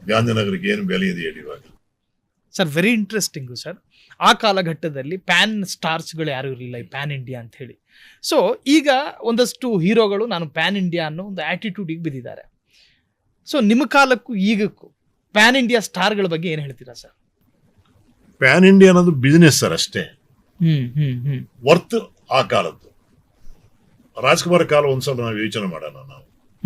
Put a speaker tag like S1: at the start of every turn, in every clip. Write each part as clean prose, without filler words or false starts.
S1: ಗಾಂಧಿನಗರಕ್ಕೆ ಏನು ಬೆಲೆ ಇದೆ ಹೇಳಿ ಇವಾಗ.
S2: Sir very interesting sir. ಆ ಕಾಲಘಟ್ಟದಲ್ಲಿ ಪ್ಯಾನ್ ಸ್ಟಾರ್ಸ್ಗಳು ಯಾರು ಇರಲಿಲ್ಲ, ಈ ಪ್ಯಾನ್ ಇಂಡಿಯಾ ಅಂತ ಹೇಳಿ. ಸೊ ಈಗ ಒಂದಷ್ಟು ಹೀರೋಗಳು ನಾನು ಪ್ಯಾನ್ ಇಂಡಿಯಾ ಅನ್ನೋ ಒಂದು ಆಟಿಟ್ಯೂಡಿಗೆ ಬಿದ್ದಿದ್ದಾರೆ. ಸೊ ನಿಮ್ಮ ಕಾಲಕ್ಕೂ ಈಗಕ್ಕೂ ಪ್ಯಾನ್ ಇಂಡಿಯಾ ಸ್ಟಾರ್ಗಳ ಬಗ್ಗೆ ಏನು ಹೇಳ್ತೀರಾ ಸರ್?
S1: ಪ್ಯಾನ್ ಇಂಡಿಯಾ ಅನ್ನೋದು ಬಿಸಿನೆಸ್ ಸರ್ ಅಷ್ಟೇ. ವರ್ತ್ ಆ ಕಾಲದ್ದು. ರಾಜ್ಕುಮಾರ್ ಕಾಲ ಒಂದ್ಸಲ ನಾವು ಯೋಚನೆ ಮಾಡೋಣ. ನಾವು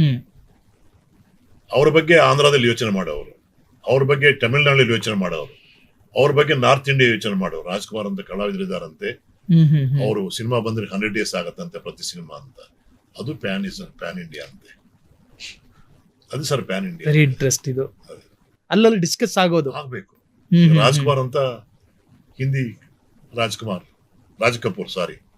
S1: ಅವ್ರ ಬಗ್ಗೆ ಆಂಧ್ರದಲ್ಲಿ ಯೋಚನೆ ಮಾಡೋರು, ಅವ್ರ ಬಗ್ಗೆ ತಮಿಳ್ನಾಡಲ್ಲಿ ಯೋಚನೆ ಮಾಡೋರು, ಅವ್ರ ಬಗ್ಗೆ ನಾರ್ತ್ ಇಂಡಿಯಾ ಯೋಚನೆ ಮಾಡೋರು. ರಾಜ್ಕುಮಾರ್ ಅಂತ ಕಲಾವಿದರಿದ್ದಾರಂತೆ, ಅವರು ಸಿನಿಮಾ ಬಂದ್ರೆ 100 days ಆಗತ್ತಂತೆ ಪ್ರತಿ ಸಿನಿಮಾ ಅಂತ. ಅದು ಪ್ಯಾನ್ ಇಂಡಿಯಾ ಅಂತೆ. ಅದು sir pan India.
S2: Very interest ಇದು. ಅಲ್ಲಲ್ಲಿ ಡಿಸ್ಕಸ್ ಆಗ್ಬೇಕು.
S1: ರಾಜ್ಕುಮಾರ್ ಅಂತ ಹಿಂದಿ ರಾಜ್ ಕಪೂರ್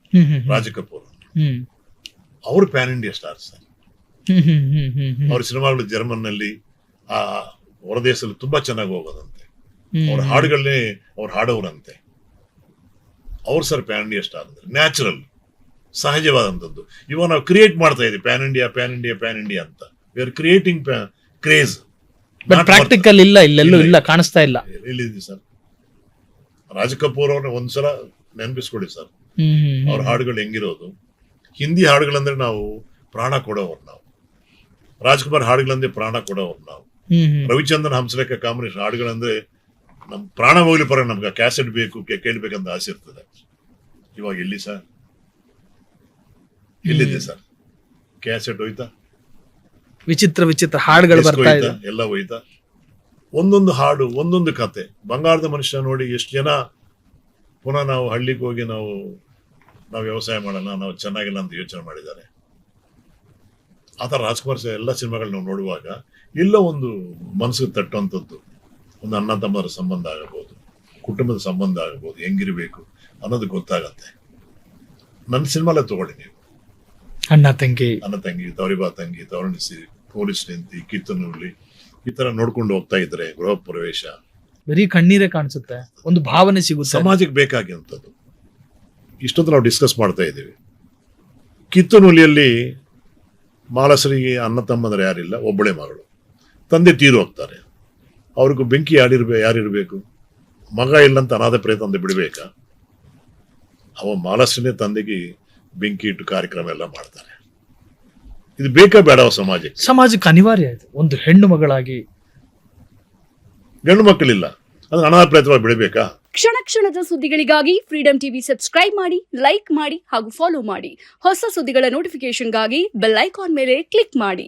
S1: ಅವರು ಪ್ಯಾನ್ ಇಂಡಿಯಾ ಸ್ಟಾರ್ ಸರ್. ಅವ್ರ ಸಿನಿಮಾಗಳು ಜರ್ಮನ್ ನಲ್ಲಿ ಆ ಹೊರದೇಶದಲ್ಲಿ ತುಂಬಾ ಚೆನ್ನಾಗಿ ಹೋಗೋದಂತೆ. ಅವ್ರ ಹಾಡುಗಳನ್ನೇ ಅವ್ರು ಹಾಡೋರಂತೆ. ಅವ್ರು ಸರ್ ಪ್ಯಾನ್ ಇಂಡಿಯಾ ಸ್ಟಾರ್ ಅಂದ್ರೆ ನ್ಯಾಚುರಲ್, ಸಹಜವಾದಂಥದ್ದು. ಇವಾಗ ನಾವು ಕ್ರಿಯೇಟ್ ಮಾಡ್ತಾ ಇದೀವಿ ಪ್ಯಾನ್ ಇಂಡಿಯಾ ಅಂತ. We are creating craze.
S2: Practical ಇಲ್ಲ, ಇಲ್ಲೆಲ್ಲೂ ಇಲ್ಲ, ಕಾಣಿಸ್ತಾ ಇಲ್ಲ.
S1: ಎಲ್ಲಿದೆ ಸರ್? ರಾಜ್ ಕಪೂರ್ ಅವ್ರನ್ನ ಒಂದ್ಸಲ ನೆನಪಿಸ್ಕೊಡಿ ಸರ್. ಅವ್ರ ಹಾಡುಗಳು ಹೆಂಗಿರೋದು. ಹಿಂದಿ ಹಾಡುಗಳಂದ್ರೆ ನಾವು ಪ್ರಾಣ ಕೊಡೋರು. ನಾವು ರಾಜ್ಕುಮಾರ್ ಹಾಡುಗಳಂದ್ರೆ ಪ್ರಾಣ ಕೊಡೋರು. ನಾವು ರವಿಚಂದ್ರನ್ ಹಂಸಲೇಖ ಕಾಂಬಿನೇಷನ್ ಹಾಡುಗಳಂದ್ರೆ ನಮ್ ಪ್ರಾಣ ಹೋಗ್ಲಿ ಪರ ನಮ್ಗೆ ಕ್ಯಾಸೆಟ್ ಬೇಕು, ಕೇಳ್ಬೇಕಂತ ಆಸೆ ಇರ್ತದೆ. ಇವಾಗ ಎಲ್ಲಿ ಸರ್? ಎಲ್ಲಿದೆ ಸರ್? ಕ್ಯಾಸೆಟ್ ಹೋಯ್ತಾ?
S2: ವಿಚಿತ್ರ ಹಾಡುಗಳು ಬರ್ತಾ ಇದೆ,
S1: ಎಲ್ಲ ಹೋಯ್ತಾ. ಒಂದೊಂದು ಹಾಡು, ಒಂದೊಂದು ಕತೆ. ಬಂಗಾರದ ಮನುಷ್ಯ ನೋಡಿ ಎಷ್ಟು ಜನ ಪುನಃ ನಾವು ಹಳ್ಳಿಗೆ ಹೋಗಿ ನಾವು ವ್ಯವಸಾಯ ಮಾಡೋಣ, ನಾವು ಚೆನ್ನಾಗಿಲ್ಲ ಅಂತ ಯೋಚನೆ ಮಾಡಿದ್ದಾರೆ. ಆತರ ರಾಜ್ಕುಮಾರ್ ಎಲ್ಲ ಸಿನಿಮಾಗಳು ನಾವು ನೋಡುವಾಗ ಎಲ್ಲ ಒಂದು ಮನಸ್ಸಿಗೆ ತಟ್ಟುವಂಥದ್ದು. ಒಂದು ಅಣ್ಣ ತಮ್ಮರ ಸಂಬಂಧ ಆಗಬಹುದು, ಕುಟುಂಬದ ಸಂಬಂಧ ಆಗಬಹುದು, ಹೆಂಗಿರ್ಬೇಕು ಅನ್ನೋದು ಗೊತ್ತಾಗತ್ತೆ. ನನ್ನ ಸಿನಿಮಾಲೇ ತಗೊಳ್ಳಿ ನೀವು.
S2: ಅಣ್ಣ ತಂಗಿ,
S1: ತವರಿಬಾ ತಂಗಿ, ತವರಣಿಸಿ, ಪೊಲೀಸ್ ನಿಂತಿ, ಕಿತ್ತನೂರ್ಲಿ, ಈ ತರ ನೋಡ್ಕೊಂಡು ಹೋಗ್ತಾ ಇದ್ರೆ ಗೃಹ ಪ್ರವೇಶ
S2: ಬರೀ ಕಣ್ಣೀರೇ ಕಾಣಿಸುತ್ತೆ, ಒಂದು ಭಾವನೆ ಸಿಗುತ್ತೆ.
S1: ಸಮಾಜಕ್ಕೆ ಬೇಕಾಗಿರುವಂಥದ್ದು. ಇಷ್ಟೊತ್ತು ನಾವು ಡಿಸ್ಕಸ್ ಮಾಡ್ತಾ ಇದ್ದೀವಿ. ಕಿತ್ತನೂಲಿಯಲ್ಲಿ ಮಾಲಸರಿಗೆ ಅಣ್ಣ ತಮ್ಮಂದ್ರೆ ಯಾರಿಲ್ಲ, ಒಬ್ಬಳೇ ಮಗಳು. ತಂದೆ ತೀರು ಹೋಗ್ತಾರೆ. ಅವ್ರಿಗೂ ಬೆಂಕಿ ಯಾರಿರ್ಬೇಕು? ಮಗ ಇಲ್ಲಂತ ಅನಾಥ ಪ್ರೇತ ಅಂತ ಬಿಡ್ಬೇಕಾ? ಅವ ಮಾಲಸನೇ ತಂದೆಗೆ ಬೆಂಕಿ ಇಟ್ಟು ಕಾರ್ಯಕ್ರಮ ಎಲ್ಲ ಮಾಡ್ತಾರೆ. ಇದು ಬೇಕಾ ಬೇಡವ ಸಮಾಜಕ್ಕೆ
S2: ಅನಿವಾರ್ಯ ಇದೆ. ಒಂದು ಹೆಣ್ಣು ಮಗಳಾಗಿ
S1: ಗಂಡು ಮಕ್ಕಳಿಲ್ಲ, ಅದನ್ನ ಅನಾಥ ಪ್ರೇತವಾಗಿ ಬಿಡಬೇಕಾ?
S3: ಕ್ಷಣದ ಸುದ್ದಿಗಳಿಗಾಗಿ ಫ್ರೀಡಂ ಟಿವಿ ಸಬ್ಸ್ಕ್ರೈಬ್ ಮಾಡಿ, ಲೈಕ್ ಮಾಡಿ ಹಾಗೂ ಫಾಲೋ ಮಾಡಿ. ಹೊಸ ಸುದ್ದಿಗಳ ನೋಟಿಫಿಕೇಶನ್ಗಾಗಿ ಬೆಲ್ ಐಕಾನ್ ಮೇಲೆ ಕ್ಲಿಕ್ ಮಾಡಿ.